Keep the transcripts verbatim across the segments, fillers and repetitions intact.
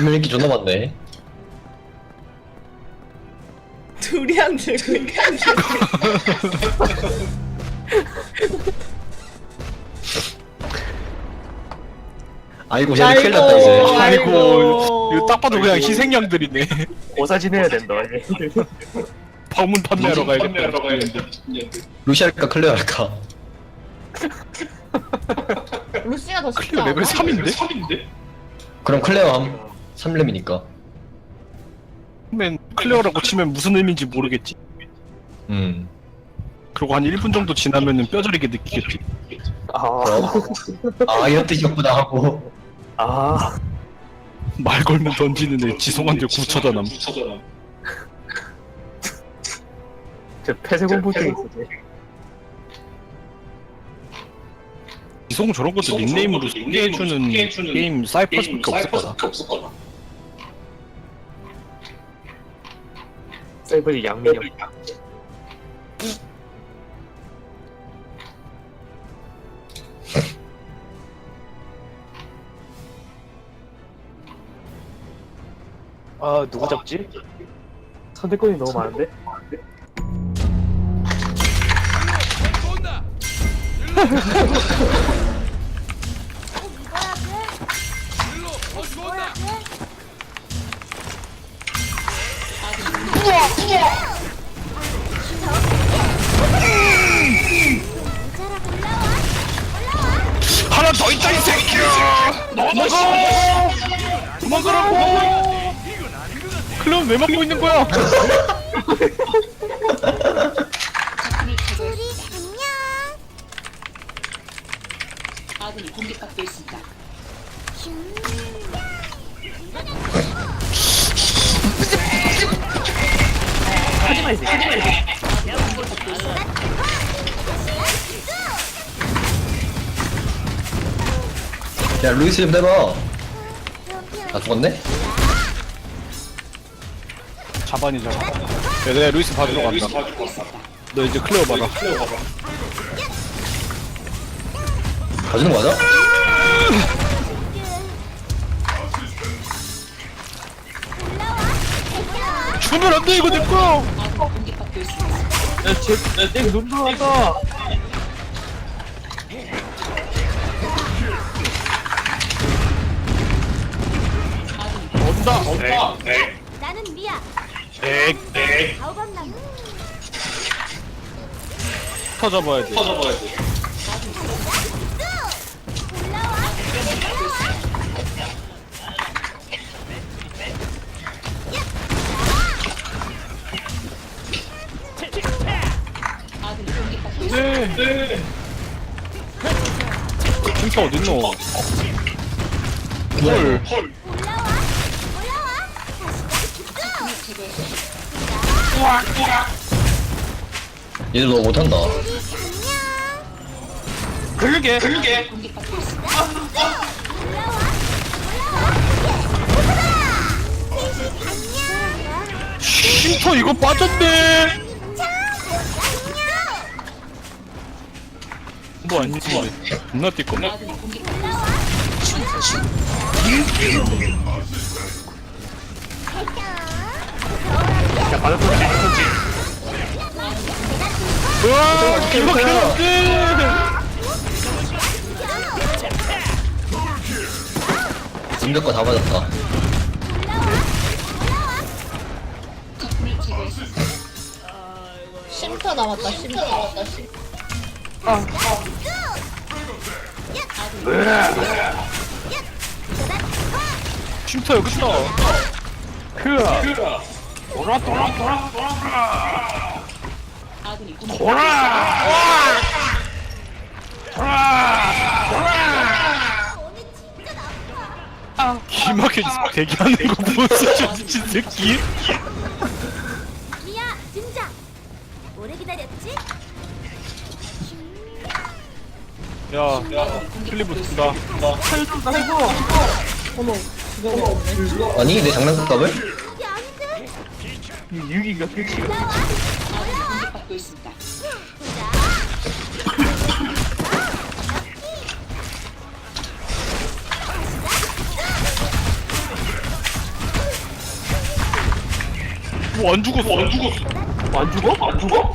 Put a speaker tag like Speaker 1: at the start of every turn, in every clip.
Speaker 1: 두명 인기 존나 많네.
Speaker 2: 둘이 안 들고 이게 안 들고.
Speaker 1: 아이고 쟤네 큰일 났다 이제.
Speaker 2: 아이고.
Speaker 3: 아이고 이거 딱 봐도 그냥 희생양들이네.
Speaker 4: 고사진 해야 된다. 얘.
Speaker 3: 방문 판매하러 가야겠다.
Speaker 1: 루시 할까 클레어 할까?
Speaker 2: 루시가 더 쉽지
Speaker 3: 클리어
Speaker 2: 않아?
Speaker 3: 레벨 삼인데?
Speaker 1: 그럼 클레어 함. 삼 렘이니까.
Speaker 3: 맨 클리어라고 치면 무슨 의미인지 모르겠지.
Speaker 1: 음.
Speaker 3: 그리고 한 일 분 정도 지나면은 뼈저리게 느끼겠지.
Speaker 4: 아,
Speaker 1: 그럼 아 이런 뜻이었구나 하고.
Speaker 4: 아,
Speaker 3: 말 걸면 던지는 애 지송한데 구쳐다남.
Speaker 4: 저 폐쇄 공포증 있어. 쟤.
Speaker 3: 지송 저런 것도 닉네임으로 소개해주는 게임 사이퍼스밖에 없을 거다.
Speaker 4: 셀브리 양민영. 아, 누구 잡지? 선택권이 너무 많은데?
Speaker 3: 하나 더 있다 이 새끼야! 도망가! 도망가라고! 클럽 왜 막고 있는 거야?
Speaker 5: 아군이 공격받고 있습니다.
Speaker 4: 하지마, 이 새끼. 하지마, 이 새끼.
Speaker 1: 야 루이스 좀 내봐. 아 죽었네?
Speaker 3: 자반이자. 야, 내가 루이스 받으러 간다. 너 이제 클리어 받아.
Speaker 1: 가주는 거 맞아?
Speaker 3: 주면 안 돼, 이거 내 거야!
Speaker 5: 공격받고 있습니다.
Speaker 4: 야, 쟤, 야, 쟤 눈 들어간다.
Speaker 3: 온다, 온다!
Speaker 6: 나는 미야.
Speaker 3: 엑, 엑.
Speaker 6: 바오밤나무.
Speaker 3: 터잡아야 돼.
Speaker 5: 아군이 공격받고 있습니다.
Speaker 3: 네, 네. 핑크 어딨노? 헐.
Speaker 6: 올라와. 올라와.
Speaker 1: 얘들 너무 못한다.
Speaker 3: 그러게, 그러게.
Speaker 5: 공격받고 있습니다.
Speaker 3: 쉼터 이거 빠졌네. 뭐 아니지? 겁나 띠껍네.
Speaker 5: 아군이 공격받고 있습니다.
Speaker 4: 야, 받았던지, 받았던지.
Speaker 3: 우와, 기막혀 안돼.
Speaker 1: 진격 거다 맞았다.
Speaker 5: 적군을 제거했습니다.
Speaker 2: 쉼터 남았다. 쉼터 남았다. 쉼터.
Speaker 3: 쉼터 여기 있다.
Speaker 4: 그, 돌아, 돌아, 돌아, 돌아.
Speaker 5: 아군이 공격받고
Speaker 4: 돌아!
Speaker 3: 기막혀 대기하는 거 보소 저 미친 새끼.
Speaker 6: 미야 등장. 오래 기다렸지?
Speaker 3: 야, 클리브 든다.
Speaker 2: 어머, 그거 없네.
Speaker 1: 아니 내 장난감을?
Speaker 6: 이게 아닌데?
Speaker 4: 유기가 끝이.
Speaker 5: 아군이 공격받고 있습니다.
Speaker 3: 뭐안 죽었어 안 죽었어
Speaker 4: 안 죽어? 안 죽어?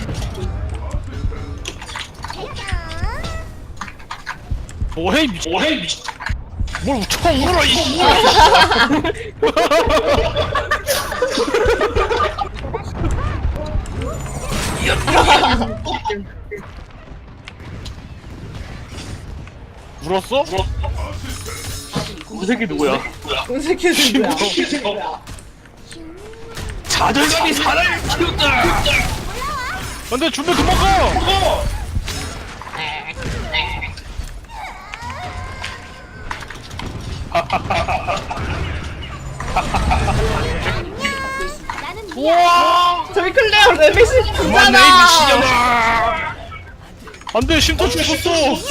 Speaker 3: 뭐해 미친 뭐해 미친 뭘 웃쳐 울어 이씨 울었어?
Speaker 4: 그 새끼 누구야?
Speaker 2: 은색해진 거야.
Speaker 3: 자존감이 사람을 키운다 안돼 준비 그만 가
Speaker 6: 나는 미야.
Speaker 3: 우와
Speaker 2: 저기 클레어 레벨
Speaker 3: 그만 내
Speaker 2: 십구잖아.
Speaker 3: 미친년아 안돼 쉼터 죽었어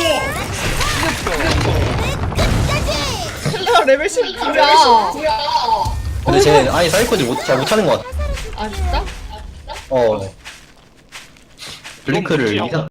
Speaker 2: 클레어 레벨 십구야.
Speaker 1: 근데 쟤 아예 사이코지 못, 잘 못하는 것 같아.
Speaker 2: 아 진짜?
Speaker 1: 어. 블링크를
Speaker 3: 뭐지?
Speaker 1: 이상